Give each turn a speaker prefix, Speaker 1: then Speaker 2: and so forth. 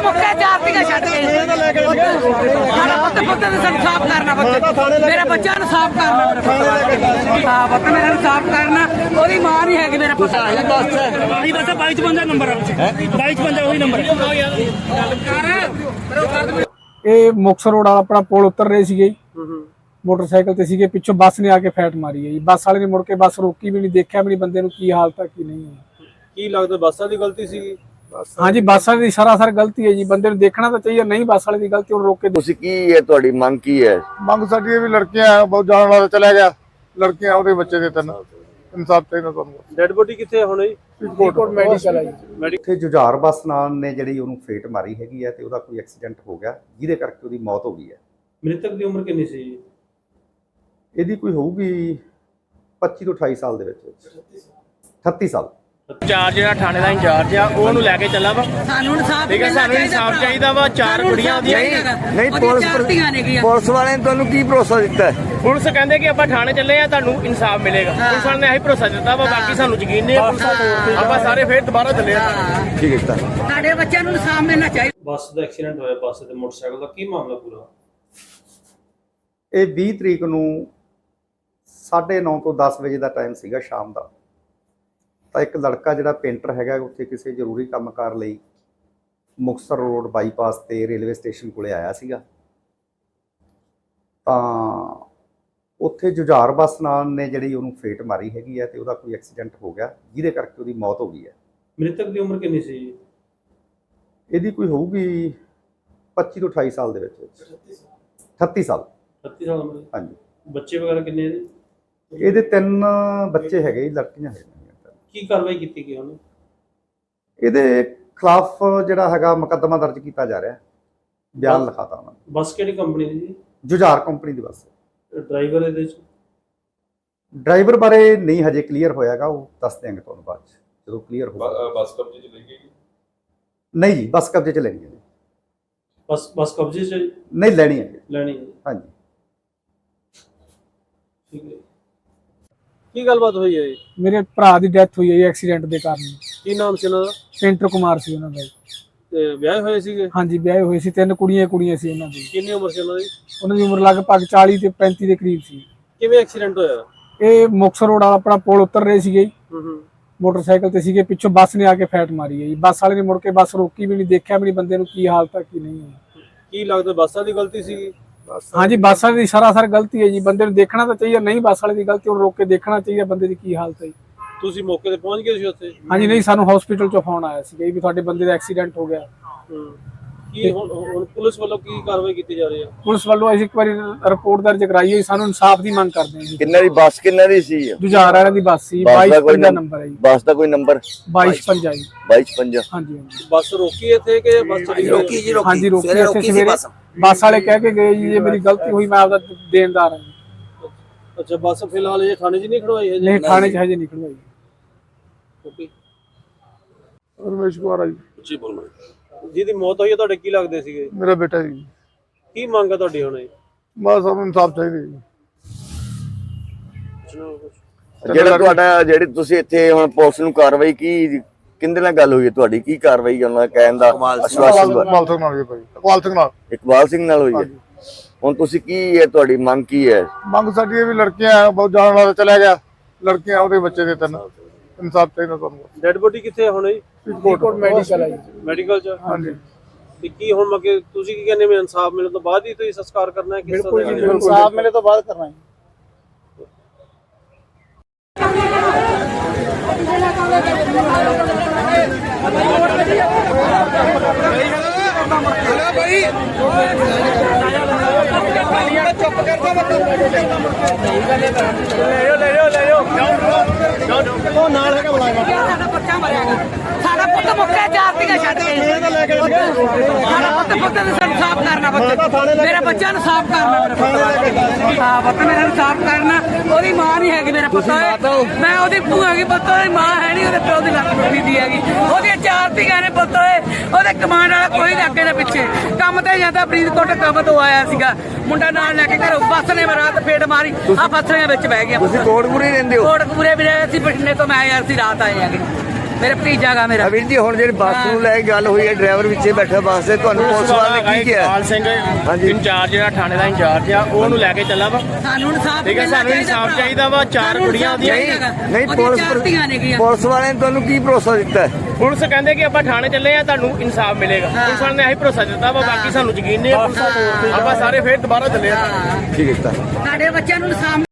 Speaker 1: ਮੁੱਕੇ ਚਾਰਤੀਆਂ ਛੱਡ ਕੇ ਸਾਡਾ ਪੁੱਤ ਨੂੰ ਸਾਫ਼ ਕਰਨਾ ਮੇਰੇ ਬੱਚਿਆਂ ਨੂੰ ਸਾਫ਼ ਕਰਨਾ ਹਾਂ ਪੁੱਤ ਮੇਰਾ ਨੂੰ ਸਾਫ਼ ਕਰਨਾ ਉਹਦੀ ਮਾਂ ਨਹੀਂ ਹੈਗੀ ਮੇਰਾ ਪੁੱਤ
Speaker 2: ਆਹੀ ਬਸ 2255 ਨੰਬਰ ਆ 2255 ਉਹੀ ਨੰਬਰ
Speaker 3: ਇਹ ਮੁਕਤਸਰ ਰੋਡ ਵਾਲਾ ਆਪਣਾ ਪੁਲ ਉਤਰ ਰਹੇ ਸੀਗੇ ਮੋਟਰਸਾਈਕਲ ਤੇ ਸੀਗੇ ਪਿੱਛੋਂ ਬੱਸ ਨੇ ਆ ਕੇ ਫੈਟ ਮਾਰੀ ਹੈ ਜੀ ਬੱਸ ਵਾਲੇ ਨੇ ਮੁੜ ਕੇ ਬੱਸ ਰੋਕੀ ਵੀ ਨਹੀਂ ਦੇਖਿਆ ਵੀ ਨਹੀਂ ਬੰਦੇ ਨੂੰ ਕੀ ਹਾਲਤ ਹੈ ਕੀ ਨਹੀਂ ਹੈ
Speaker 4: ਕੀ ਲੱਗਦਾ ਬੱਸਾਂ ਦੀ ਗਲਤੀ ਸੀਗੀ
Speaker 3: ਹਾਂਜੀ ਬੱਸ ਵਾਲੇ ਦੀ ਸਰਾਸਰ ਗਲਤੀ ਹੈ ਜੀ ਬੰਦੇ ਨੂੰ ਦੇਖਣਾ ਤਾਂ ਚਾਹੀਏ ਨਹੀਂ ਬੱਸ ਵਾਲੇ ਦੀ ਗਲਤੀ ਉਹਨੂੰ ਰੋਕ ਕੇ
Speaker 5: ਤੁਸੀਂ ਕੀ ਹੈ ਤੁਹਾਡੀ ਮੰਗ ਕੀ ਹੈ
Speaker 6: ਮੰਗ ਸਾਡੀ ਇਹ ਵੀ ਲੜਕੀਆਂ ਬਹੁਤ ਜਾਣ ਵਾਲਾ ਚਲਾ ਗਿਆ ਲੜਕੀਆਂ ਉਹਦੇ ਬੱਚੇ ਦੇ ਤਿੰਨ ਇਨਸਾਫ ਚਾਹੀਦਾ ਤੁਹਾਨੂੰ
Speaker 4: ਡੈਡ ਬੋਡੀ ਕਿੱਥੇ ਹੁਣ ਜੀ
Speaker 3: ਫਰੀਦਕੋਟ ਮੈਡੀਕਲ ਹੈ ਜੀ
Speaker 7: ਇੱਥੇ ਜੁਝਾਰ ਬੱਸ ਨਾਲ ਨੇ ਜਿਹੜੀ ਉਹਨੂੰ ਫੇਟ ਮਾਰੀ ਹੈਗੀ ਹੈ ਤੇ ਉਹਦਾ ਕੋਈ ਐਕਸੀਡੈਂਟ ਹੋ ਗਿਆ ਜਿਹਦੇ ਕਰਕੇ ਉਹਦੀ ਮੌਤ ਹੋ ਗਈ ਹੈ।
Speaker 4: ਮ੍ਰਿਤਕ ਦੀ ਉਮਰ ਕਿੰਨੀ ਸੀ ਜੀ
Speaker 7: ਇਹਦੀ ਕੋਈ ਹੋਊਗੀ 25 ਤੋਂ 28 ਸਾਲ ਦੇ ਵਿੱਚ 38 ਸਾਲ।
Speaker 2: ਚਾਰ ਜਿਹੜਾ ਥਾਣੇ ਦਾ ਇੰਚਾਰਜ ਆ ਉਹਨੂੰ ਲੈ ਕੇ ਚੱਲਾ ਵਾ
Speaker 1: ਸਾਨੂੰ ਇਨਸਾਫ
Speaker 2: ਠੀਕ ਹੈ ਸਾਨੂੰ ਇਨਸਾਫ ਚਾਹੀਦਾ ਵਾ ਚਾਰ ਕੁੜੀਆਂ ਉਹਦੀਆਂ
Speaker 5: ਨਹੀਂ ਪੁਲਿਸ ਵਾਲਿਆਂ ਨੇ ਤੁਹਾਨੂੰ ਕੀ ਭਰੋਸਾ ਦਿੱਤਾ ਹੈ
Speaker 2: ਪੁਲਿਸ ਕਹਿੰਦੇ ਕਿ ਆਪਾਂ ਥਾਣੇ ਚੱਲੇ ਆ ਤੁਹਾਨੂੰ ਇਨਸਾਫ ਮਿਲੇਗਾ ਪੁਲਿਸ ਵਾਲਿਆਂ ਨੇ ਇਹੀ ਭਰੋਸਾ ਦਿੱਤਾ ਵਾ ਬਾਕੀ ਸਾਨੂੰ ਯਕੀਨ ਨਹੀਂ ਹੈ ਆਪਾਂ ਸਾਰੇ ਫੇਰ ਦੁਬਾਰਾ ਚੱਲੇ ਆ
Speaker 5: ਠੀਕ ਹੈ
Speaker 1: ਸਾਡੇ ਬੱਚਿਆਂ ਨੂੰ ਇਨਸਾਫ ਮਿਲਣਾ ਚਾਹੀਦਾ
Speaker 4: ਬੱਸ ਦਾ ਐਕਸੀਡੈਂਟ ਹੋਇਆ ਬੱਸ ਤੇ ਮੋਟਰਸਾਈਕਲ ਦਾ ਕੀ ਮਾਮਲਾ ਪੂਰਾ
Speaker 7: ਇਹ 20 ਤਰੀਕ ਨੂੰ 9:30 ਤੋਂ 10 ਵਜੇ ਦਾ ਟਾਈਮ ਸੀਗਾ ਸ਼ਾਮ ਦਾ। ਤਾਂ ਇੱਕ ਲੜਕਾ ਜਿਹੜਾ ਪੇਂਟਰ ਹੈਗਾ ਉੱਥੇ ਕਿਸੇ ਜ਼ਰੂਰੀ ਕੰਮਕਾਰ ਲਈ ਮੁਕਤਸਰ ਰੋਡ ਬਾਈਪਾਸ ਤੇ ਰੇਲਵੇ ਸਟੇਸ਼ਨ ਕੋਲੇ ਆਇਆ ਸੀਗਾ। ਤਾਂ ਉੱਥੇ ਜੁਝਾਰ ਬੱਸ ਨਾਲ ਨੇ ਜਿਹੜੀ ਉਹਨੂੰ ਫੇਟ ਮਾਰੀ ਹੈਗੀ ਹੈ ਤੇ ਉਹਦਾ ਕੋਈ ਐਕਸੀਡੈਂਟ ਹੋ ਗਿਆ ਜਿਹਦੇ ਕਰਕੇ ਉਹਦੀ ਮੌਤ ਹੋ ਗਈ ਹੈ।
Speaker 4: ਮ੍ਰਿਤਕ ਦੀ ਉਮਰ ਕਿੰਨੀ ਸੀ ਜੀ
Speaker 7: ਇਹਦੀ ਕੋਈ ਹੋਊਗੀ 25 ਤੋਂ 28 ਸਾਲ ਦੇ ਵਿੱਚ 38 ਸਾਲ
Speaker 4: 38 ਸਾਲ ਉਮਰ
Speaker 7: ਹਾਂਜੀ।
Speaker 4: ਬੱਚੇ ਵਗੈਰਾ ਕਿੰਨੇ ਜੀ
Speaker 7: ਇਹਦੇ 3 ਬੱਚੇ ਹੈਗੇ ਜੀ ਲੜਕੀਆਂ ਹੈਗੀਆਂ।
Speaker 4: ਕੀ ਕਾਰਵਾਈ ਕੀਤੀ ਗਈ ਉਹਨੇ
Speaker 7: ਇਹਦੇ ਖਿਲਾਫ ਜਿਹੜਾ ਹੈਗਾ ਮੁਕੱਦਮਾ ਦਰਜ ਕੀਤਾ ਜਾ ਰਿਹਾ ਬਿਆਨ ਲਿਖਾਤਾ ਉਹਨਾਂ ਨੇ।
Speaker 4: ਬੱਸ ਕਿਹੜੀ ਕੰਪਨੀ ਦੀ ਜੀ
Speaker 7: ਜੁਝਾਰ ਕੰਪਨੀ ਦੀ ਬੱਸ।
Speaker 4: ਡਰਾਈਵਰ ਇਹਦੇ ਚ
Speaker 7: ਡਰਾਈਵਰ ਬਾਰੇ ਨਹੀਂ ਹਜੇ ਕਲੀਅਰ ਹੋਇਆਗਾ ਉਹ ਦੱਸ ਦਿਆਂਗੇ ਤੁਹਾਨੂੰ ਬਾਅਦ ਚ ਜਦੋਂ ਕਲੀਅਰ ਹੋਊਗਾ।
Speaker 4: ਬੱਸ ਕਬਜ਼ੇ ਚ ਲਈ ਗਈ
Speaker 7: ਨਹੀਂ ਜੀ ਬੱਸ ਕਬਜ਼ੇ ਚ ਲੈਣੀ ਹੈ ਜੀ।
Speaker 4: ਬੱਸ ਕਬਜ਼ੇ ਚ
Speaker 7: ਨਹੀਂ ਲੈਣੀ ਹੈ ਜੀ।
Speaker 4: ਲੈਣੀ ਹੈ
Speaker 7: ਹਾਂਜੀ
Speaker 4: ਠੀਕ ਹੈ। ਕੀ ਗੱਲਬਾਤ ਹੋਈ ਹੈ ਜੀ
Speaker 3: ਮੇਰੇ ਭਰਾ ਦੀ ਡੈਥ ਹੋਈ ਹੈ ਜੀ ਐਕਸੀਡੈਂਟ ਦੇ ਕਾਰਨ।
Speaker 4: ਕੀ ਨਾਮ ਸੀ ਉਹਨਾਂ ਦਾ
Speaker 3: ਪੇਂਟਰ ਕੁਮਾਰ ਸੀ ਉਹਨਾਂ ਦਾ।
Speaker 4: ਤੇ ਵਿਆਹ ਹੋਏ ਸੀਗੇ
Speaker 3: ਹਾਂਜੀ ਵਿਆਹੇ ਹੋਏ ਸੀ 3 ਕੁੜੀਆਂ ਸੀ ਉਹਨਾਂ ਦੀ।
Speaker 4: ਕਿੰਨੀ ਉਮਰ ਸੀ ਉਹਨਾਂ ਦੀ
Speaker 3: ਉਹਨਾਂ ਦੀ ਉਮਰ ਲਗਭਗ 40 ਤੇ 35 ਦੇ ਕਰੀਬ ਸੀ।
Speaker 4: ਕਿਵੇਂ ਐਕਸੀਡੈਂਟ ਹੋਇਆ
Speaker 3: ਇਹ ਮੁਕਤਸਰ ਰੋਡ ਵਾਲਾ ਆਪਣਾ ਪੁਲ ਉਤਰ ਰਹੇ ਸੀਗੇ ਮੋਟਰਸਾਈਕਲ ਤੇ ਸੀਗੇ ਪਿੱਛੋਂ ਬੱਸ ਨੇ ਆ ਕੇ ਫੈਟ ਮਾਰੀ ਹੈ ਜੀ ਬੱਸ ਵਾਲੇ ਨੇ ਮੁੜ ਕੇ ਬੱਸ ਰੋਕੀ ਵੀ ਨਹੀਂ ਦੇਖਿਆ ਵੀ ਨਹੀਂ ਬੰਦੇ ਨੂੰ ਕੀ ਹਾਲਤ ਹੈ ਕੀ ਨਹੀਂ ਹੈ
Speaker 4: ਕੀ ਲੱਗਦਾ ਬੱਸਾਂ ਦੀ ਗਲਤੀ ਸੀਗੀ
Speaker 3: ਹਾਂਜੀ ਬੱਸ ਵਾਲੇ ਦੀ ਸਰਾਸਰ ਗਲਤੀ ਹੈ ਜੀ ਬੰਦੇ ਨੂੰ ਦੇਖਣਾ ਤਾਂ ਚਾਹੀਏ ਨਹੀਂ ਬੱਸ ਵਾਲੇ ਦੀ ਗਲਤੀ ਉਹਨੂੰ ਰੋਕ ਕੇ ਦੇਖਣਾ ਚਾਹੀਏ ਬੰਦੇ ਦੀ ਕੀ ਹਾਲਤ ਹੈ।
Speaker 4: ਤੁਸੀਂ ਮੌਕੇ ਤੇ ਪਹੁੰਚ ਗਏ ਸੀ ਉੱਥੇ
Speaker 3: ਹਾਂਜੀ ਨਹੀਂ ਸਾਨੂੰ ਹਸਪੀਟਲ ਚੋਂ ਫੋਨ ਆਇਆ ਸੀ ਵੀ ਤੁਹਾਡੇ ਬੰਦੇ ਦਾ ਐਕਸੀਡੈਂਟ ਹੋ ਗਿਆ।
Speaker 4: ਕੀ ਹੁਣ ਪੁਲਿਸ ਵੱਲੋਂ ਕੀ ਕਾਰਵਾਈ ਕੀਤੀ ਜਾ ਰਹੀ ਹੈ
Speaker 3: ਪੁਲਿਸ ਵੱਲੋਂ ਅਸੀਂ ਇੱਕ ਵਾਰੀ ਰਿਪੋਰਟ ਦਰਜ ਕਰਾਈ ਹੈ ਸਾਨੂੰ ਇਨਸਾਫ ਦੀ ਮੰਗ ਕਰਦੇ ਹਾਂ ਜੀ।
Speaker 5: ਕਿੰਨਾ ਦੀ ਬੱਸ ਕਿੰਨਾ ਦੀ ਸੀ
Speaker 3: ਜੁਝਾਰ ਵਾਲਿਆਂ ਦੀ ਬੱਸ ਸੀ 2255 ਨੰਬਰ ਹੈ ਜੀ।
Speaker 5: ਬੱਸ ਦਾ ਕੋਈ ਨੰਬਰ
Speaker 3: 2255 ਜੀ
Speaker 5: 2255
Speaker 3: ਹਾਂਜੀ ਹਾਂਜੀ
Speaker 4: ਬੱਸ ਰੋਕੀ ਇੱਥੇ ਕਿ ਬੱਸ ਚਲੀ ਗਈ
Speaker 3: ਹਾਂਜੀ ਰੋਕੀ ਇੱਥੇ ਸਵੇਰੇ ਬੱਸ ਵਾਲੇ ਕਹਿ ਕੇ ਗਏ ਜੀ ਇਹ ਮੇਰੀ ਗਲਤੀ ਹੋਈ ਮੈਂ ਆਪਦਾ ਦੇਣਦਾਰ ਹਾਂ।
Speaker 4: ਅੱਛਾ ਬੱਸ ਫਿਲਹਾਲ ਇਹ ਥਾਣੇ 'ਚ ਨਹੀਂ ਖੜਵਾਈ ਹੈ
Speaker 3: ਨਹੀਂ ਥਾਣੇ 'ਚ ਹਜੇ ਨਿਕਲ ਆਈ।
Speaker 4: ਓਕੇ
Speaker 6: ਰਮੇਸ਼ ਕੁਮਾਰ ਆ ਜੀ
Speaker 4: ਉੱਚੀ ਬੋਲਣਾ ਜਿਹਦੀ ਮੌਤ ਹੋਈ ਹੈ ਤੁਹਾਡੇ ਕੀ ਲੱਗਦੇ ਸੀਗੇ
Speaker 6: ਮੇਰਾ ਬੇਟਾ ਜੀ।
Speaker 4: ਕੀ ਮੰਗ ਹੈ ਤੁਹਾਡੀ ਹੁਣ
Speaker 6: ਬਸ ਸਾਨੂੰ ਇਨਸਾਫ ਚਾਹੀਦਾ ਜੀ।
Speaker 5: ਜਿਹੜਾ ਤੁਹਾਡਾ ਜਿਹੜੀ ਤੁਸੀਂ ਇੱਥੇ ਹੁਣ ਪੁਲਿਸ ਨੂੰ ਕਾਰਵਾਈ ਕੀ ਕਿੰਦੇ ਨਾਲ ਗੱਲ ਹੋਈ ਹੈ ਤੁਹਾਡੀ ਕੀ ਕਾਰਵਾਈ ਉਹਨਾਂ ਦਾ ਕਹਿਣ ਦਾ ਆਸ਼ਵਾਸਨ
Speaker 6: ਇਕਬਾਲ ਸਿੰਘ ਨਾਲ ਜੀ ਭਾਈ
Speaker 5: ਇਕਬਾਲ ਸਿੰਘ ਨਾਲ ਹੋਈ ਹੈ। ਹੁਣ ਤੁਸੀਂ ਕੀ ਹੈ ਤੁਹਾਡੀ ਮੰਗ ਕੀ ਹੈ
Speaker 6: ਮੰਗ ਸਾਡੀ ਇਹ ਵੀ ਲੜਕੀਆਂ ਬਹੁਤ ਜਾਣ ਵਾਲਾ ਚਲਾ ਗਿਆ ਲੜਕੀਆਂ ਉਹਦੇ ਬੱਚੇ ਦੇ ਤਿੰਨ ਇਨਸਾਫ ਚਾਹੀਦਾ ਤੁਹਾਨੂੰ।
Speaker 4: ਡੈਡ ਬੋਡੀ ਕਿੱਥੇ ਹੁਣ ਜੀ
Speaker 3: ਫਰੀਦਕੋਟ ਮੈਡੀਕਲ ਹੈ ਜੀ।
Speaker 4: ਮੈਡੀਕਲ 'ਚ
Speaker 6: ਹਾਂਜੀ
Speaker 4: ਤੇ ਕੀ ਹੁਣ ਮੱਕੇ ਤੁਸੀਂ ਕੀ ਕਹਿੰਦੇ ਮੈਂ ਇਨਸਾਫ ਮਿਲਣ ਤੋਂ ਬਾਅਦ ਹੀ ਤੁਸੀਂ ਸੰਸਕਾਰ ਕਰਨਾ ਹੈ ਕਿਸ ਤਰ੍ਹਾਂ ਦਾ
Speaker 3: ਇਨਸਾਫ ਮਿਲੇ ਤੋਂ ਬਾਅਦ ਕਰਨਾ ਹੈ।
Speaker 1: ਸਾਡਾ ਪੁੱਤ ਮੁੱਕੇ ਚਾਰਤੀਆਂ ਛੱਡ ਕੇ ਸਾਡਾ ਪੁੱਤ ਨੂੰ ਸਾਫ਼ ਕਰਨਾ ਮੇਰੇ ਬੱਚਿਆਂ ਨੂੰ ਸਾਫ਼ ਕਰਨਾ ਹਾਂ ਪੁੱਤ ਮੇਰਾ ਨੂੰ ਸਾਫ਼ ਕਰਨਾ ਉਹਦੀ ਮਾਂ ਨਹੀਂ ਹੈਗੀ ਮੇਰਾ ਪੁੱਤ ਮੈਂ ਉਹਦੀ ਭੂਆ ਹੈਗੀ ਪੁੱਤ ਉਹਦੀ ਮਾਂ ਹੈ ਨਹੀਂ ਉਹਦੇ ਪਿਓ ਦੀ ਲੱਤ ਟੁੱਟੀ ਦੀ ਹੈਗੀ ਉਹਦੀਆਂ ਚਾਰਤੀਆਂ ਨੇ ਪੁੱਤ ਉਹਦੇ ਕਮਾਂਡ ਵਾਲਾ ਕੋਈ ਨਹੀਂ ਅੱਗੇ ਦੇ ਪਿੱਛੇ ਕੰਮ ਤੇ ਜਾਂਦਾ ਫਰੀਦਕੋਟ ਕੰਮ ਤੋਂ ਆਇਆ ਸੀਗਾ ਮੁੰਡਾ ਨਾਲ ਲੈ ਕੇ ਘਰੋਂ ਬੱਸ ਨੇ ਰਾਤ ਫੇਟ ਮਾਰੀ ਆ ਫਸਲੀਆਂ ਵਿੱਚ ਬਹਿ ਗਿਆ।
Speaker 5: ਤੁਸੀਂ ਕੋਟਪੁਰੇ ਰਹਿੰਦੇ ਹੋ?
Speaker 1: ਕੋਟਪੁਰੇ ਵੀ ਰਹੇ ਸੀ ਬਠਿੰਡੇ ਤੋਂ ਮੈਂ ਆਇਆ ਸੀ ਰਾਤ ਆਏ ਹੈਗੇ ਮੇਰੇ ਭਤੀਜਾ ਗਾ ਮੇਰਾ।
Speaker 5: ਵੀਰ ਜੀ ਹੁਣ ਜਿਹੜੀ ਬੱਸ ਨੂੰ ਲੈ ਕੇ ਗੱਲ ਹੋਈ ਹੈ, ਡਰਾਈਵਰ ਵਿੱਚੇ ਬੈਠਾ ਬੱਸ ਦੇ, ਤੁਹਾਨੂੰ ਪੁਲਿਸ ਵਾਲੇ ਨੇ ਕੀ ਕਿਹਾ?
Speaker 2: ਇਕਬਾਲ ਸਿੰਘ ਇੰਚਾਰਜ, ਜਿਹੜਾ ਥਾਣੇ ਦਾ ਇੰਚਾਰਜ ਆ, ਉਹਨੂੰ ਲੈ ਕੇ ਚੱਲਾ ਵਾ।
Speaker 1: ਸਾਨੂੰ ਇਨਸਾਫ
Speaker 2: ਠੀਕ ਹੈ, ਸਾਨੂੰ ਇਨਸਾਫ ਚਾਹੀਦਾ ਵਾ। 4 ਕੁੜੀਆਂ ਉਹਦੀਆਂ
Speaker 5: ਨਹੀਂ ਪੁਲਿਸ ਵਾਲਿਆਂ ਨੇ ਤੁਹਾਨੂੰ ਕੀ ਭਰੋਸਾ ਦਿੱਤਾ ਹੈ?
Speaker 2: ਪੁਲਿਸ ਕਹਿੰਦੇ ਕਿ ਆਪਾਂ ਥਾਣੇ ਚੱਲੇ ਆ, ਤੁਹਾਨੂੰ ਇਨਸਾਫ ਮਿਲੇਗਾ। ਪੁਲਿਸ ਵਾਲਿਆਂ ਨੇ ਇਹੀ ਭਰੋਸਾ ਦਿੱਤਾ ਵਾ, ਬਾਕੀ ਸਾਨੂੰ ਯਕੀਨ ਨਹੀਂ। ਆਪਾਂ ਸਾਰੇ ਫੇਰ ਦੁਬਾਰਾ ਚੱਲੇ ਆ।
Speaker 5: ਠੀਕ ਹੈ।
Speaker 1: ਸਾਡੇ ਬੱਚਿਆਂ ਨੂੰ ਇਨਸਾਫ